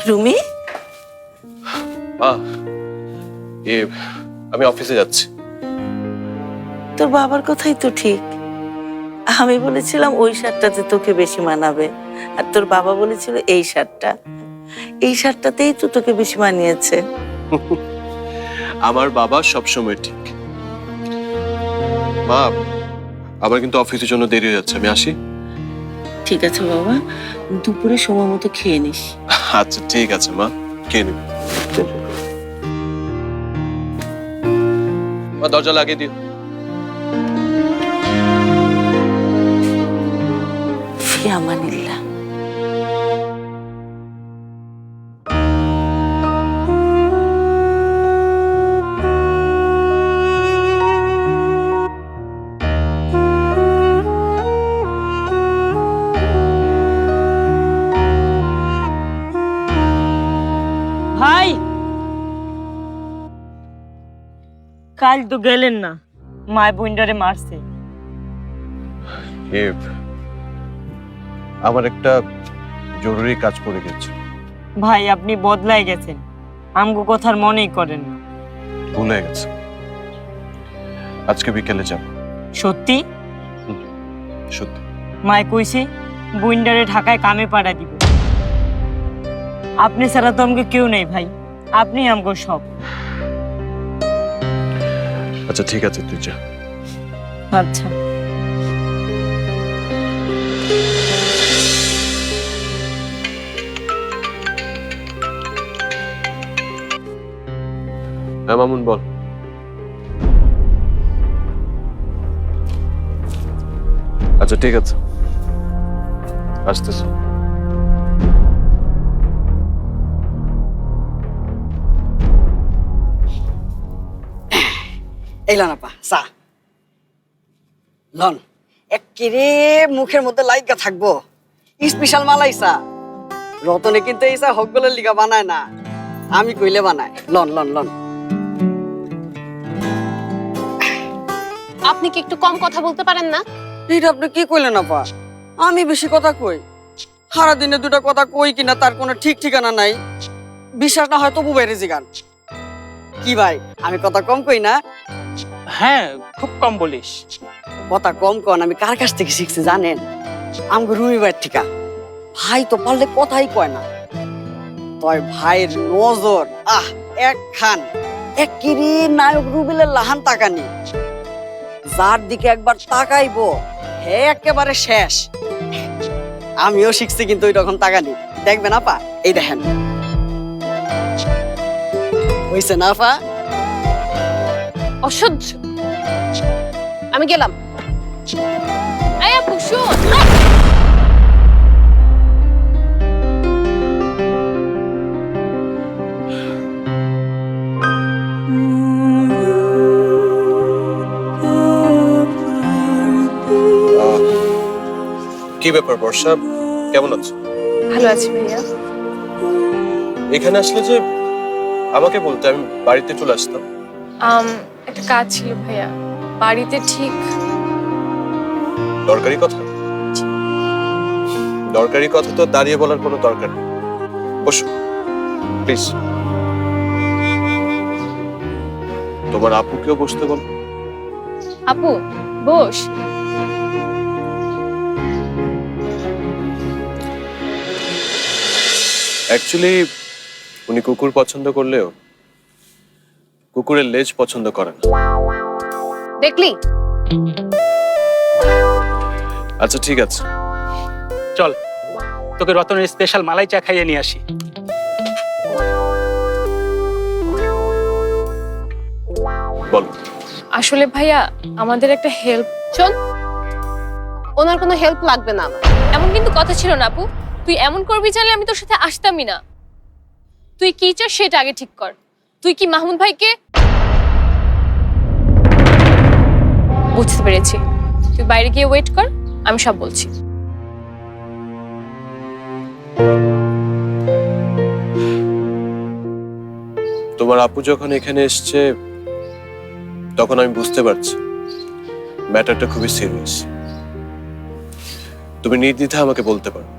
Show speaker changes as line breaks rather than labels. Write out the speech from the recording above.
রুমি,
আমি অফিসে যাচ্ছি।
তোর বাবার কথাই তো ঠিক। আমি বলেছিলাম ওই শার্টটাতে তোকে বেশি মানাবে, আর তোর বাবা বলেছিল এই শার্টটাতেই তো তোকে বেশি মানিয়েছে।
আমার বাবা সবসময় ঠিক। মা, আমার কিন্তু অফিসের জন্য দেরি হয়ে যাচ্ছে, আমি আসি।
ঠিক আছে বাবা, দুপুরে সময় মতো খেয়ে নিস।
আচ্ছা ঠিক আছে মা, খেয়ে নিবি। মা, দরজা লাগিয়ে দিও।
ফি আমানিল্লাহ।
ভাই, কাল তো গেলেন না, মায় বইন্ডারে মারছে।
আমার একটা জরুরি কাজ পড়ে গেছে।
ভাই, আপনি বদলাই গেছেন, আমগো কথার মনেই করেন না।
ভুলে গেছে, আজকে বিকেলে যাব।
সত্যি?
সত্যি।
মায় কইছে বইন্ডারে ঢাকায় কামে পাড়া দিব। আপনি ছাড়া তো আমগো কেউ নেই ভাই, আপনি আমগো সব।
আচ্ছা ঠিক আছে, তুই যা।
আচ্ছা।
হ্যাঁ মামুন, বল। আচ্ছা ঠিক আছে, আসতেছি।
এইলান আপা চা লন, একেরে মুখের মধ্যে লাইগা থাকবো। স্পেশাল মালাই চা। রতনে কিন্তু এই চা হকগুলোর লিগা বানায় না, আমি কইলে বানায়। লন লন লন।
আপনি কি একটু কম কথা বলতে পারেন না?
এইটা আপনি কি কইলেন আপা? আমি বেশি কথা কই? সারা দিনে দুটা কথা কই কিনা তার কোনো ঠিক ঠিকানা নাই। বিশ্বাস না হয় তবু বাইরে জিগান। কি ভাই, আমি কথা কম কই না?
হ্যাঁ, খুব কম বলিস।
কথা কম কন আমি কার কাছ থেকে শিখছি জানেন? আমগো রুমি ভাইয়ের ঠিকা। ভাই তো পারলে কথাই কয় না। তয় ভাইয়ের নজর একখান একেরে নায়ক রুবেলের লাহান তাকানি। যার দিকে একবার তাকাইবো হে একেবারে শেষ। আমিও শিখছি কিন্তু ওই রকম তাকানি। দেখবেন আপা, এই দেখেন হইছে না আপা?
অসহ্য। আমি গেলাম। এই আপু শোন।
কি ব্যাপার বর্ষা, কেমন আছো?
ভালো আছি ভাইয়া।
এখানে আসলে যে আমাকে বলতে, আমি বাড়িতে চলে আসতাম।
একটা কাজ ছিল ভাইয়া, বাড়িতে ঠিক।
দরকারি কথা? দরকারি কথা তো দাঁড়িয়ে বলার কোনো দরকার নেই। বসো প্লিজ। তোমার আপুকেও বসতে বল।
আপু বস।
অ্যাকচুয়ালি উনি কুকুর পছন্দ করলেও কুকুরের লেজ পছন্দ করে না।
দেখলি?
আচ্ছা ঠিক আছে,
চল, তোকে রতনের স্পেশাল মালাই চা খাইয়ে নিয়ে আসি।
বল।
আসলে ভাইয়া আমাদের একটা হেল্প। শোন, ওনার কোনো হেল্প লাগবে না আমার।
এমন কিন্তু কথা ছিল না আপু। তুই এমন করবি জানলে আমি তোর সাথে আসতামই না। তুই কি চাস সেটা আগে ঠিক কর। তুই কি মাহমুদ ভাইকে? বুঝতে পেরেছি, তুই বাইরে গিয়ে ওয়েট কর, আমি সব বলছি।
তোমার আপু যখন এখানে এসছে তখন আমি বুঝতে পারছি ম্যাটারটা খুবই সিরিয়াস। তুমি নির্দ্বিধায় আমাকে বলতে পারো।